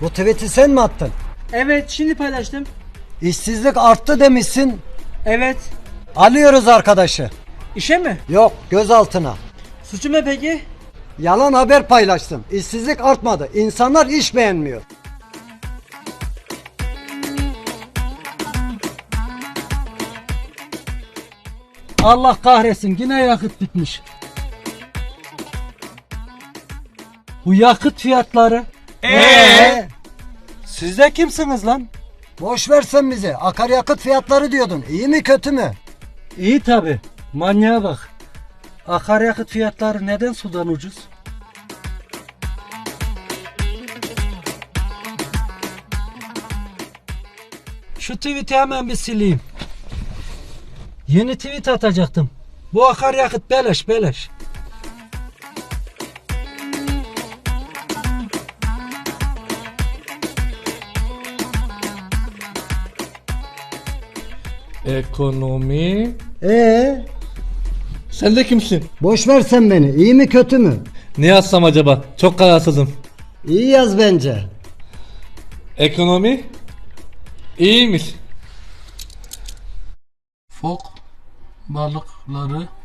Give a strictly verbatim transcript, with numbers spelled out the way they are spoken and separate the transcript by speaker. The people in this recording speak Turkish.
Speaker 1: Bu tweet'i sen mi attın?
Speaker 2: Evet, şimdi paylaştım.
Speaker 1: İşsizlik arttı demişsin.
Speaker 2: Evet.
Speaker 1: Alıyoruz arkadaşı.
Speaker 2: İşe mi?
Speaker 1: Yok, gözaltına.
Speaker 2: Suçu ne peki?
Speaker 1: Yalan haber paylaştım. İşsizlik artmadı. İnsanlar iş beğenmiyor.
Speaker 3: Allah kahretsin, yine yakıt bitmiş. Bu yakıt fiyatları.
Speaker 1: Ee?
Speaker 3: Siz de kimsiniz lan?
Speaker 1: Boş versen bizi. Akaryakıt fiyatları diyordun. İyi mi kötü mü?
Speaker 3: İyi tabi. Manyağa bak. Akaryakıt fiyatları neden sudan ucuz? Şu tweet'i hemen bir sileyim. Yeni tweet atacaktım. Bu akaryakıt beleş beleş.
Speaker 4: Ekonomi.
Speaker 1: Ee?
Speaker 4: Sen de kimsin?
Speaker 1: Boş versen beni. İyi mi kötü mü?
Speaker 4: Ne yazsam acaba? Çok kararsızım.
Speaker 1: İyi yaz bence.
Speaker 4: Ekonomi. İyiymiş.
Speaker 3: Fok balıkları